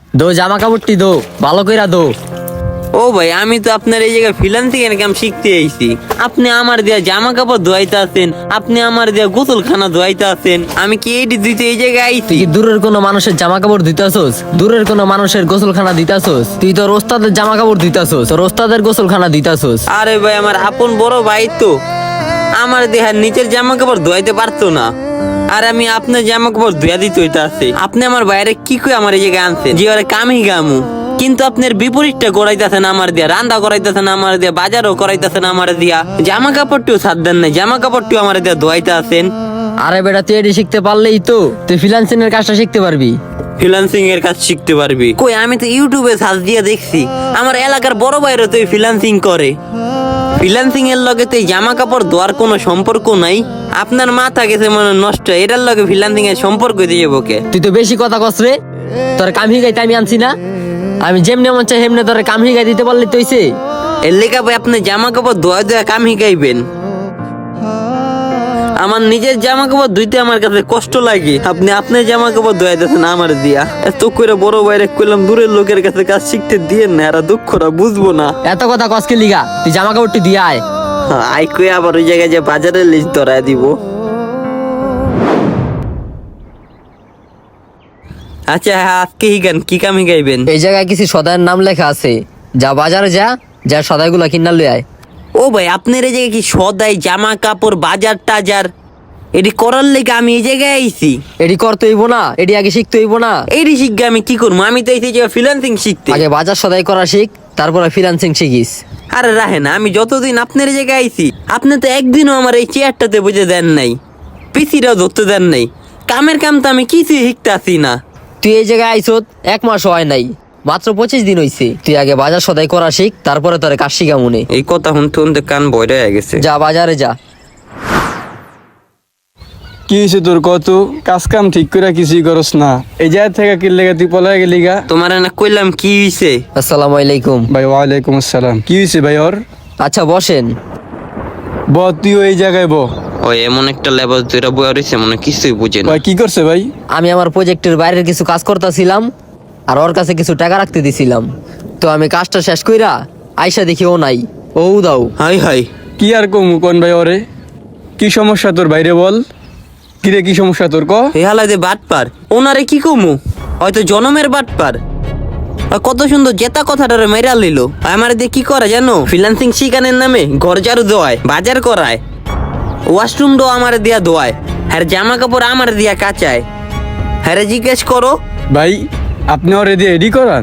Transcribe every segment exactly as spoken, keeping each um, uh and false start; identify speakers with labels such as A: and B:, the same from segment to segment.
A: দো জামা কাপড়টি দো, ভালো কইরা দো।
B: ও ভাই, আমি তো আপনার এই জায়গায় ফ্রিল্যান্সিং এর কাম শিখতে আইছি। আপনি আমার দিয়া জামা কাপড় ধোয়াইতে আছেন, আপনি আমার দিয়া গোসলখানা ধোয়াইতে আছেন। আমি কি এইটি দিতে এই জায়গায়
A: তুই
B: আইছি?
A: কি দূরের কোনো মানুষের জামা কাপড় দিতাছস? দূরের কোনো মানুষের গোসলখানা দিতাছস? তুই তোর ওস্তাদের জামা কাপড় দিতাছস, তোর ওস্তাদের গোসলখানা দিতাছস।
B: আরে ভাই, আমার আপন বড় ভাই তো, আমার দেহার নিচের জামা কাপড় ধোয়াইতে পারতো না, আর আমি আপনার জামা কাপড় ধুয়া দিতে হইতে আছে। আপনি আমার বাইরে কি কই আমার এই জায়গায় আনছেন যে ওরা কামই গামু, কিন্তু আপনার বিপরীতটা করাইতেছেন আমার দিয়া, রান্না করাইতেছেন আমার দিয়া, বাজারও করাইতেছেন আমার দিয়া, জামা কাপড়টিও সাথ দেন নাই, জামা কাপড়টিও আমার দিয়া ধোয়াইতে আছেন।
A: আরে বেটা, তুই এটি শিখতে পারলেই তো তুই ফ্রিল্যান্সিং এর কাজটা শিখতে পারবি।
B: ফ্রিল্যান্সিং এর কাজ শিখতে পারবি কই? আমি তো ইউটিউবে সার্চ দিয়ে দেখছি আমার এলাকার বড় ভাইরা তো ফ্রিল্যান্সিং করে। ফ্রিল্যান্সিং এর লগে তো এই জামা কাপড় ধোয়ার কোনো সম্পর্ক নাই। আপনার মাথা গেছে মনে নষ্ট, এটার লগে ফ্রিল্যান্সিং এর সম্পর্ক দিয়ে বকে।
A: তুই তো বেশি কথা কস রে। তোর কাম হিগাইতে আমি আনছি না, আমি যেমনি মন চাই হেমনে তোর কাম হিগাই দিতে পারলি তো হইছে।
B: এর লেখা ভাই আপনি জামা কাপড় ধোয়া ধোয়া কাম শিখাইবেন? আমার নিজের জামা কাপড় ধুইতে আমার কাছে কষ্ট লাগে, আপনি আপনার জামা কাপড় ধোয়া দিতেছেন আমার দিয়া। এত করে বড় বাইরে কইলাম দূরের লোকের কাছে কাজ শিখতে দিয়েন না, এরা দুঃখরা বুঝবো না।
A: এত কথা কসকে লিগা, তুই জামা কাপড়টি দিয়ে আয়।
B: আই কই আবার ওই জায়গায় যে বাজারের লিস্ট ধরায় দিব। আচ্ছা হ্যাঁ, আজকে হিগান কি কাম হিগাইবেন?
A: এই জায়গায় কিছু সদাইয়ের নাম লেখা আছে, যা বাজারে যা, যা সদাইগুলা কিনা লই আয়।
B: ও ভাই, আপনার এই জায়গায় কি সদাই জামা কাপড় বাজার টাজার এটি করার লেগে আমি এই জায়গায় আইছি?
A: এটি করতে হইব না? এটি আগে শিখতে হইব না?
B: এইটি শিখবে আমি কি করবো? আমি তো এই যে ফ্রিল্যান্সিং শিখতে।
A: আগে বাজার সদাই করা শিখ, তারপরে ফ্রিল্যান্সিং শিখিস।
B: আরে রাহেন, আমি যতদিন আপনার এই জায়গায় আইছি আপনি তো একদিনও আমার এই চেয়ারটাতে বুঝে দেন নাই, পিসিটাও ধরতে দেন নাই। কামের কাম তো আমি কিছুই শিখতে আসি না।
A: তুই এই জায়গায় আইছত এক মাস হয় নাই, মাত্র পঁচিশ দিন হইছে। তুই আগে বাজার সদাই করা শিখ, তারপরে তোর কাজ শিখা মনে।
B: এই কথা শুনতে শুনতে কান বয়রা হয়ে গেছে।
A: যা বাজারে যা।
C: কি হয়েছে তোর? কত কাজ কাম ঠিক করে কিছুই করস না, এই জায়গা থেকে কি লেগে তুই পলাই গেলি গা?
B: তোমার না কইলাম কি হইছে?
A: আসসালামু আলাইকুম।
C: ভাই ওয়ালাইকুম আসসালাম। কি হয়েছে ভাই ওর?
A: আচ্ছা বসেন।
C: ব তুই এই জায়গায় ব।
B: ওই এমন একটা লেবাস দুইটা বয়া রয়েছে, মনে কিছুই বুঝে না।
C: ভাই কি করছে ভাই?
A: আমি আমার প্রজেক্টের বাইরের কিছু কাজ করতেছিলাম, আর ওর কাছে কিছু টাকা রাখতে দিছিলাম। তো আমি কাজটা শেষ কইরা আইসা দেখি ও নাই। ও দাও।
B: হাই হাই,
C: কি আর কমু কোন ভাই ওরে? কি সমস্যা তোর বাইরে বল? কিরে কি সমস্যা তোর ক?
B: এই হালাতে বাটপার, ওনারে কি কমু? হয়তো জনমের বাটপার। আর কত সুন্দর জেতা কথাটারে মেরা লিল। আমার দিয়ে কি করে জানো? ফ্রিল্যান্সিং শিখানের নামে ঘর ঝাড়ু দেওয়ায়, বাজার করায়, ওয়াশরুমটাও আমার দিয়া ধোয়ায়, হ্যাঁ জামা কাপড় আমার দিয়া কাচায়। হ্যাঁ জিজ্ঞেস করো।
C: ভাই আপনি ওরে দিয়ে এডি করান?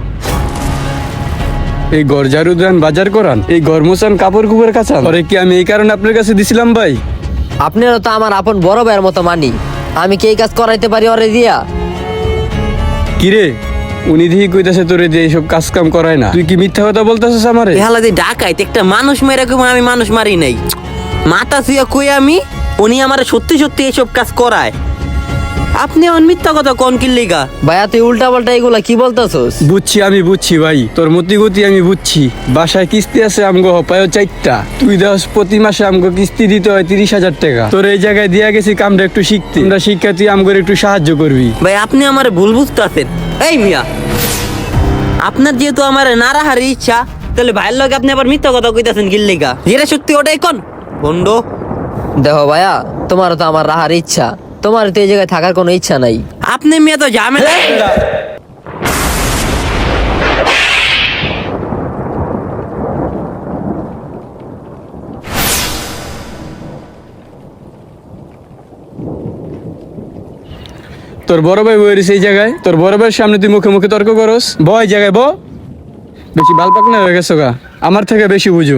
C: এই ঘর ঝাড়ু দেন, বাজার করান, এই ঘর মোছান, কাপড় কুপড় কাচান, ওরে কি আমি এই কারণে আপনার কাছে দিছিলাম ভাই?
A: আপনারা তো আমার আপন বড় ভাইয়ের মতো মানি, আমি কি এই কাজ করাইতে পারি ওরে দিয়া?
C: কিরে উনি দিহি কইতাছে তোরে দিয়ে এইসব কাজ কাম করায় না, তুই কি মিথ্যা কথা বলতেছিস আমারে?
B: এই হালাতে ডাকাইতে একটা মানুষ মেরে কম, আমি মানুষ মারি নাই। মাথা শুয়ে কই আমি, উনি আমার সত্যি সত্যি এইসব কাজ করায়। আপনি এমন মিথ্যা কথা কোন কিল্লিগা?
A: ভাইয়া তুই উল্টা পাল্টা এগুলা কি বলতেছস?
C: বুঝছি আমি বুঝছি ভাই, তোর মতি গতি আমি বুঝছি। বাসায় কিস্তি আছে আমগো হপায় চারটা, তুই দশ প্রতি মাসে আমগো কিস্তি দিতে হয় তিরিশ হাজার টাকা। তোর এই জায়গায় দিয়া গেছি কামটা একটু শিখতে, আমরা শিক্ষা তুই আমগোর একটু সাহায্য করবি।
B: ভাই আপনি আমার ভুল বুঝতেছেন। এই মিয়া, আপনার যেহেতু আমার নারাহার ইচ্ছা, তাহলে ভাইয়ের লগে আপনি আবার মিথ্যা কথা কইতাছেন কিল্লিগা? যেটা সত্যি ওটাই কোন বন্ড।
A: দেখো ভাইয়া, তোমার তো আমার রাহার ইচ্ছা, তোমার তো এই জায়গায় থাকার কোনো ইচ্ছা নাই।
B: আপনি মিয়া তো ঝামেলা।
C: তোর বড় ভাই বই রয়েছে এই জায়গায়, তোর বড় ভাইয়ের সামনে তুই মুখে মুখে তর্ক করস? ব এই জায়গায় ব, বেশি বাল পাকনা হয়ে গেছো গা, আমার থেকে বেশি বুঝো।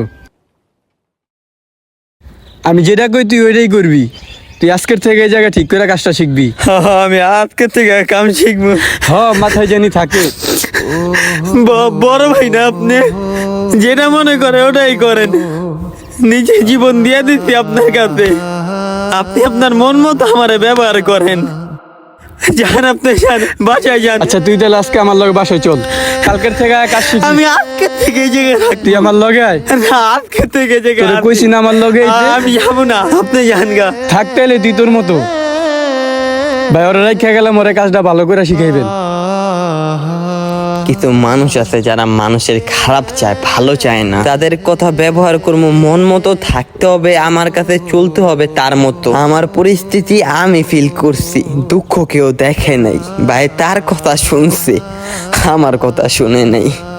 C: আমি যেটা কই তুই ওইটাই করবি। তুই আজকের থেকে এই জায়গায় ঠিক করে কাজটা শিখবি।
B: আমি আজকে থেকে কাম শিখবো।
C: হ মাথায় জানি থাকে।
B: বড় ভাই না আপনি, যেটা মনে করে ওটাই করেন। নিজে জীবন দিয়ে দিচ্ছি আপনার কাছে, আপনি আপনার মন মতো আমারে ব্যবহার করেন। যান আপনি, যান বাসায় যান।
C: আচ্ছা তুই তাহলে আজকে আমার লগে বাসায় চল, কালকের থেকে আয় কাজ শিখবি।
B: আমি আজকে থেকে এই জায়গায় থাকবো।
C: তুই আমার লগে আয়।
B: না, আজকে থেকে এই জায়গায়
C: তোরে
B: আছি।
C: কইছি না আমার লগে আইতে?
B: আমি যাবো না, আপনি যান গা।
C: থাকতে এলে তুই তোর মতো। ভাই ওরা রাইখা গেলাম, ওরে কাজটা ভালো করে শিখাইবেন।
B: কিছু মানুষ আছে যারা মানুষের খারাপ চায়, ভালো চায় না। তাদের কথা ব্যবহার করবো, মন মতো থাকতে হবে, আমার কাছে চলতে হবে তার মতো। আমার পরিস্থিতি আমি ফিল করছি, দুঃখ কেউ দেখে নাই ভাই, তার কথা শুনছে, আমার কথা শুনে নাই।